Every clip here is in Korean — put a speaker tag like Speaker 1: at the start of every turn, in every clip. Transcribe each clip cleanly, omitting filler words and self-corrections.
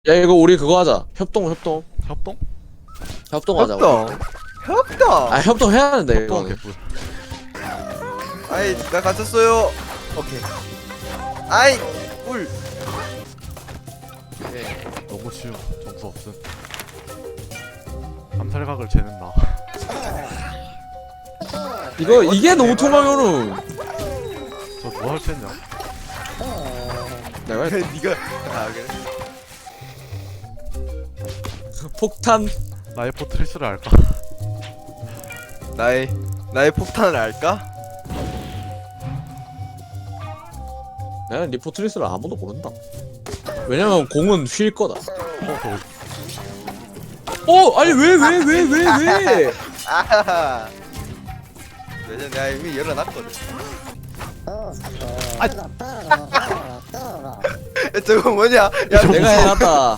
Speaker 1: 야 이거 우리 그거 하자. 협동.
Speaker 2: 협동?
Speaker 1: 하자.
Speaker 3: 협동.
Speaker 1: 아 협동 해야 하는데
Speaker 2: 협동
Speaker 1: 이거.
Speaker 2: 개뿔.
Speaker 3: 아이 나 갇혔어요. 오케이. 아이 꿀.
Speaker 2: 너무 쉬워. 점수 없음. 암살각을 재는 나.
Speaker 1: 이거 이게 너무 통하면은
Speaker 2: 저 뭐 할 수 있냐?
Speaker 1: 내가
Speaker 3: 네가 그래.
Speaker 1: 폭탄.
Speaker 2: 나의 포트리스를 알까?
Speaker 3: 나의 폭탄을 알까?
Speaker 1: 나는 리포트리스를 아무도 모른다. 왜냐면 공은 휠 거다. 아니 왜?
Speaker 3: 아하하. 왜냐 내가 이미 열어놨거든. 저거 뭐냐? 야
Speaker 1: 내가 해놨다.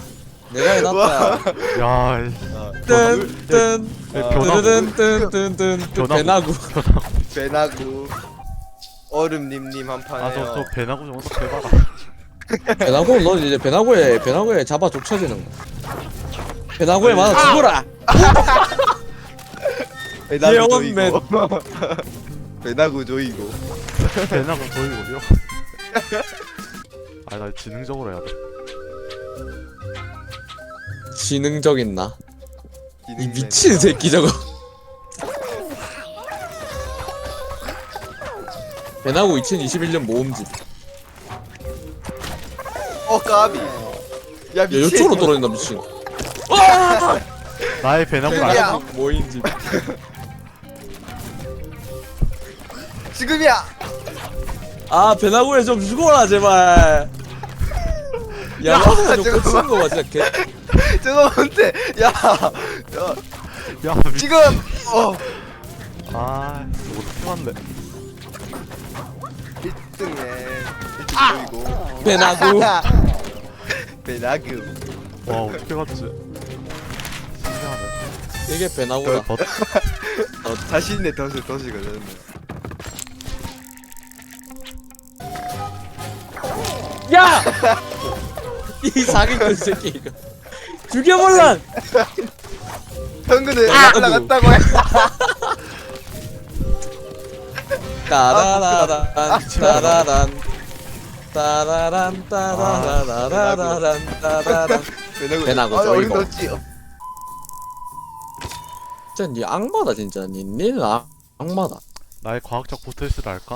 Speaker 2: 야,
Speaker 1: 뜬뜬
Speaker 2: 변화구.
Speaker 1: 뜬뜬뜬뜬 배나구.
Speaker 3: 배나구 얼음님님 한
Speaker 2: 아, 저
Speaker 3: 판에요.
Speaker 2: 배나구 좀 어떻게 해봐라.
Speaker 1: 배나구 너 이제 배나구에 잡아 족쳐지는 거. 배나구에 맞아 죽어라.
Speaker 3: 배나구
Speaker 1: 예언맨.
Speaker 3: 조이고. 배나구 조이고.
Speaker 2: 배나구 보이고요. 아, 나 지능적으로 해야 돼.
Speaker 1: 지능적인 나. 이 미친 새끼 저거. 배나구 2021년 모음집.
Speaker 3: 까비. 야
Speaker 1: 야
Speaker 3: 미친.
Speaker 1: 이쪽으로 떨어진다 미친.
Speaker 2: 나의 배나구를
Speaker 3: 야.
Speaker 2: 알까?
Speaker 1: 모임집.
Speaker 3: 지금이야.
Speaker 1: 아 배나구에 좀 죽어라 제발. 야 나도 좀
Speaker 3: 잠깐만.
Speaker 1: 꽂히는 거봐 진짜 개.
Speaker 3: 저거 뭔데? 야
Speaker 2: 야,
Speaker 3: 지금
Speaker 2: 아, 이거 어떻게 맞네.
Speaker 3: 1등에 1등 조이고.
Speaker 1: 배나구.
Speaker 3: 배나구.
Speaker 2: 와, 어떻게 맞지? 신기하네.
Speaker 1: 이게 배나구다.
Speaker 3: 자신의 덫이거든.
Speaker 1: 야! 이 사기꾼 새끼 이거. 죽여볼란!
Speaker 3: 현근을
Speaker 1: 배나구.
Speaker 3: 올라갔다고 해.
Speaker 1: 따라라란 따라란 따라란 따라라라라란 따라란. 배나구
Speaker 3: 어린
Speaker 1: 조이고.
Speaker 3: 덫지.
Speaker 1: 진짜 니 악마다 진짜 니는 악마다.
Speaker 2: 나의 과학적 포트리스를 알까?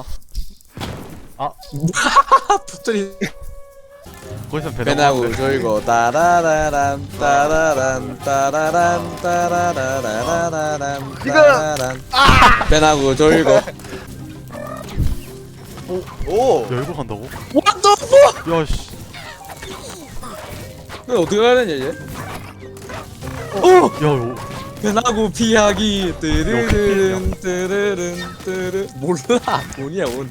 Speaker 1: 붙들이
Speaker 2: 거기선
Speaker 1: 배나구 조이고 따라라란 따라란 따라란 따라라라라란 따라란. 배나구 조이고.
Speaker 3: 오.
Speaker 2: 열고 간다고?
Speaker 1: What the fuck?
Speaker 2: 야, 씨.
Speaker 1: 이거 어떻게 가야 되냐 이제?
Speaker 2: 야, 요.
Speaker 1: 배나구 피하기 뜨르른 뜨르른 뜨르. 몰라 돈이야 돈.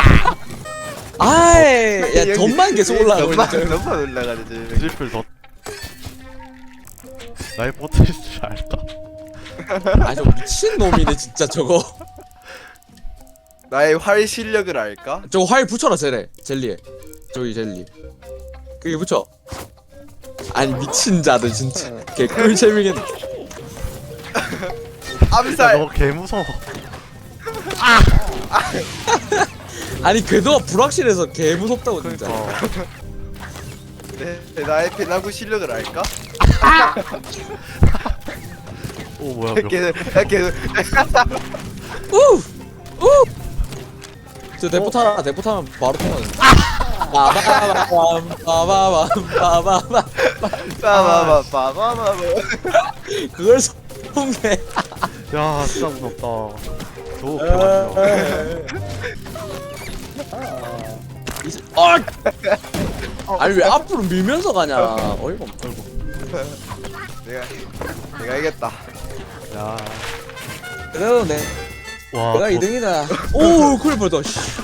Speaker 1: 아이 야
Speaker 3: 여기
Speaker 1: 돈만 계속 올라가고 있는
Speaker 3: 돈만 올라가네 지금.
Speaker 2: 트리플 덧. 나의 포트리스를 알까?
Speaker 1: 아저 미친 놈이네 진짜 저거.
Speaker 3: 나의 활 실력을 알까?
Speaker 1: 저거 화일 붙여라 젤리에 저기 젤리 그게 붙여. 아니 미친 자들 진짜 개꿀잼이겠네.
Speaker 2: 야,
Speaker 3: 암살.
Speaker 2: 너 개 무서워.
Speaker 1: 아니 궤도가 불확실해서 개 무섭다고 진짜.
Speaker 2: 그러니까.
Speaker 3: 나의 배나구 실력을 알까?
Speaker 2: 오, 뭐야,
Speaker 3: 계속.
Speaker 1: 저 대포 타면 바로 통하는. 빠바밤 빠바밤 빠바밤.
Speaker 3: 빠바바바바바바.
Speaker 1: 그걸 성공해.
Speaker 2: 야, 진짜 무섭다. 저거 개맞냐.
Speaker 1: 아니 왜 앞으로 밀면서 가냐. 어이가 없다.
Speaker 3: 내가 이겼다.
Speaker 2: 야,
Speaker 1: 그래도
Speaker 2: 와.
Speaker 1: 내가 2등이다. 오 큰일 뻔했다.